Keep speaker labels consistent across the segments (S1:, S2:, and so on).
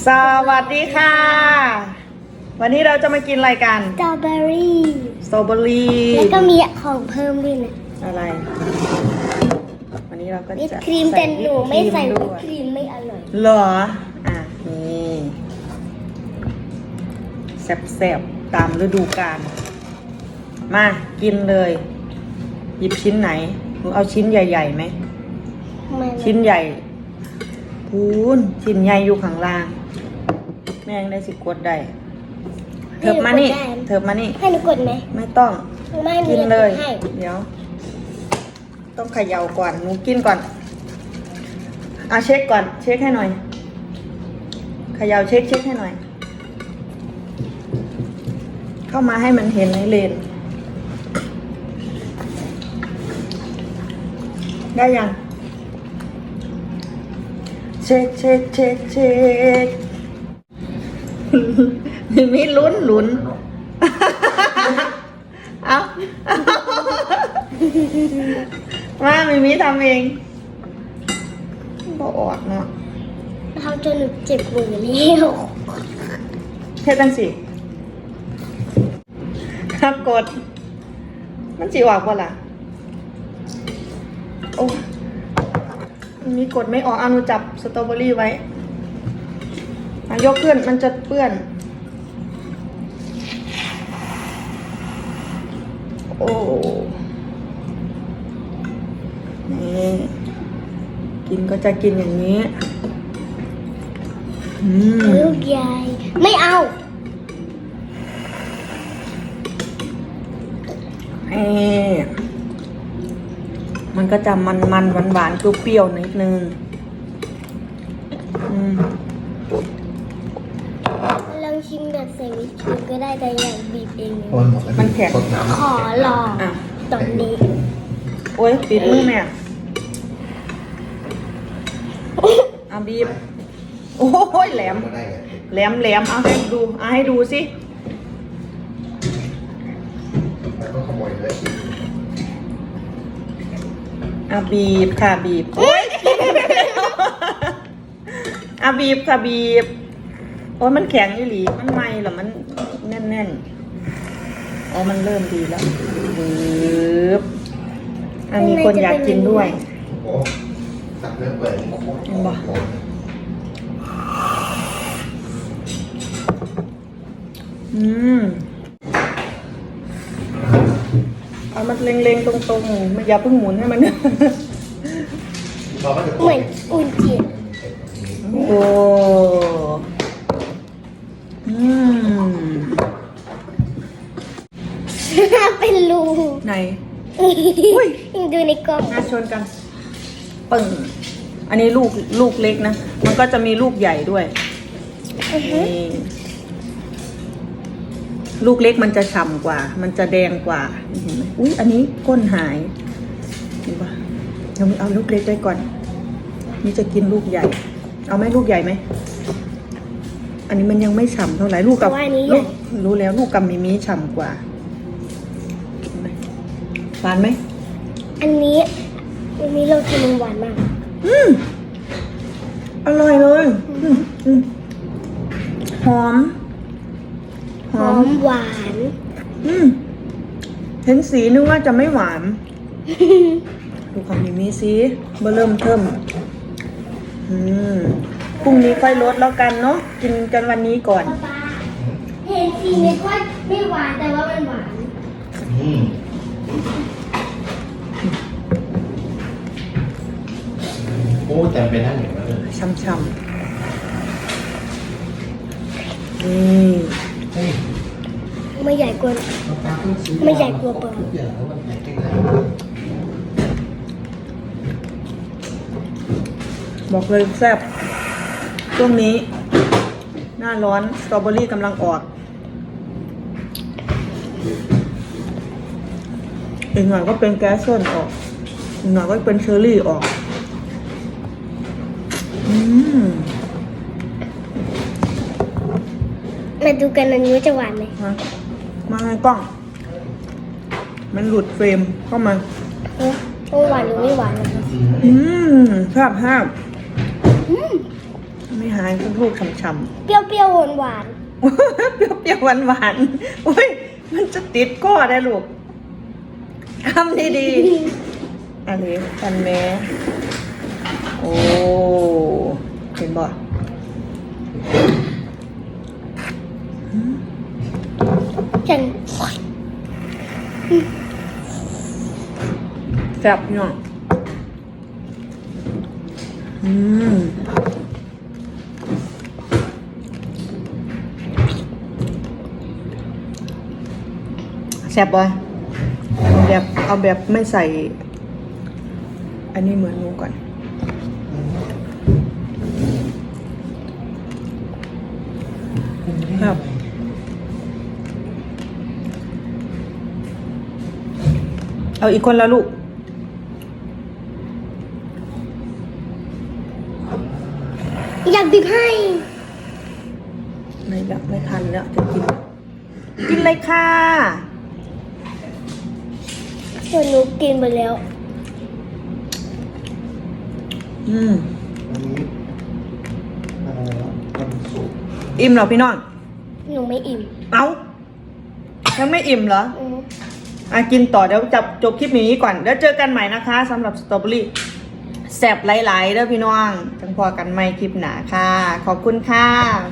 S1: สวัสดีค่ะ วันนี้เราจะมากินอะไรกัน
S2: สตรอเบอรี่
S1: สตรอเบอรี่
S2: แล้วก็มีของเพิ่มด้วยนะ
S1: อะไร วันนี้เราก็
S2: วิป
S1: จะ
S2: ครีมแต่หนูไม่ใส่
S1: ด้
S2: วิป
S1: วย
S2: ครีมไม่อร่อย
S1: เหรออ่ะนี่แซ่บๆตามฤดูกาลมากินเลย หยิบชิ้นไหนหนูเอาชิ้นใหญ่ๆไหม
S2: ไม่
S1: ชิ้นใหญ่พูนชิ้นใหญ่อยู่ข้างล่าง แม่งได้สิกดได้เถิบมานี่เถิบมานี่
S2: ให้หนูกดไหม
S1: ไม่ต้อง
S2: ไม่หนู
S1: กิน
S2: จะ
S1: เล
S2: ก
S1: ย
S2: ดให้
S1: เดี๋ยว ต้องเขย่าก่อนหนูกินก่อนเช็คก่อน เช็คให้หน่อยเขย่าเช็คให้หน่อย เข้ามาให้มันเห็นในเลนได้ยังเช็คมีลุ้นเอามามีทำเองบ่ออกเนาะ
S2: ทำจนหนูเจ็บมือแล้ว
S1: เฮ็ดจังสิครับกด มันสิออกบ่ล่ะโอ้มีกดไม่ออกเอาหนูจับสตรอเบอรี่ไว้ยกขึ้นมันจะเปื้อน โอ้นี่กินก็จะกินอย่างนี้
S2: ลูกใหญ่ไม่เอา
S1: มันก็จะมันหวานเปรี้ยวๆนิดนึง
S2: ลองชิมแบบใส่วิปครีมก็ได้แต่อย่างบีบเอง
S1: มันแข็ง
S2: ขอลองตอนนี้
S1: โอ้ยปิดมือแม่เอาบีบโอ้ยแหลมเอาให้ดูสิ บีบค่ะบีบโอ้ยบีบค่ะบีบโอ้ยมันแข็งอีหลีมันไหมหรอมันแน่นอ๋อมันเริ่มดีแล้วบีบมีคนอยากกินด้วยเห็นบ่เอามันเล็งๆตรงๆไม่อย่าเพิ่งหมุนให้มัน
S2: เหมือนอุ่นจิต
S1: โอ้
S2: เป็นรู
S1: ไหน
S2: ดูในกล่อง
S1: ชนกันปึ่งอันนี้ลูกเล็กนะมันก็จะมีลูกใหญ่ด้วยนี่ลูกเล็กมันจะฉ่ำกว่า มันจะแดงกว่าเห็นไหมอุ้ยอันนี้ก้นหายเห็นปะเราเอาลูกเล็กไว้ก่อนนี่จะกินลูกใหญ่ เอาไหมลูกใหญ่ไหมอันนี้มันยังไม่ฉ่ำเท่าไหร่ลูกกับลูกรู้แล้วลูกกับมีฉ่ำกว่าหวานไหม
S2: อันนี้เรากินมันหวานมาก
S1: อร่อยเลยหอม
S2: หวาน
S1: เห็นสีนึกว่าจะไม่หวาน ดูของมีสีเบอร์เริ่มเทิมพรุ่งนี้ค่อยลดแล้วกันเนาะกินกันวันนี้ก่อน
S2: เห็นสีนึกว่าไม่หวานแต่ว่ามันหวาน
S3: โอ้แต่เป็นท่านอย่างนั้นเลย
S1: ช่ำ
S2: ไม่ใหญ่กว่าไม่ใหญ่กว่าเปิด
S1: บอกเลยแซ่บช่วงนี้หน้าร้อนสตรอเบอรี่กำลังออกอีกหน่อยก็เป็นแก๊สส้นออกอีกหน่อยก็เป็นเชอร์รี่ออก
S2: มาดูกันอันนี้จะหวานไหม
S1: มาให้กล้องมันหลุดเฟรมเข้ามา
S2: หวานหรือไม่หวานนะคะ
S1: แซ่บไม่หายเป็นลูกช่ำ
S2: เปรี้ยวๆหวาน
S1: ๆ เปรี้ยวๆหวานๆอุ้ยมันจะติดก้อได้ลูกทำดีๆอันนี้กันแม่โอ้เห็นบ่
S2: ๆฉัน
S1: แซ่บเนาะแซ่บบ่เอาแบบไม่ใส่ อันนี้เหมือนหนูก่อนครับเอาอีกคนละลูก
S2: อยากบีบให้
S1: ไม่แบบไม่ทันแล้วจะกินเลยค่ะ
S2: ส่วนหนูกินไปแล้ว
S3: อันนี้อะไรวะวันศุกร์
S1: อิ่มเหรอพี่น้อง
S2: หนูไม่อิ่ม
S1: เอ้ายังไม่อิ่มเหรอ
S2: อืม
S1: กินต่อเดี๋ยวจับจบคลิปนี้ก่อนแล้วเจอกันใหม่นะคะสำหรับสตรอเบอรี่แซ่บหลายๆเด้อพี่น้องจังพอกันใหม่คลิปหนาค่ะ ขอบคุณค่ะ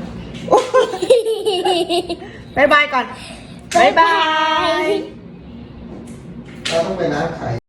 S1: บ๊ายบายก่อนบ๊ายบาย
S3: เราต้องไปร้านขาย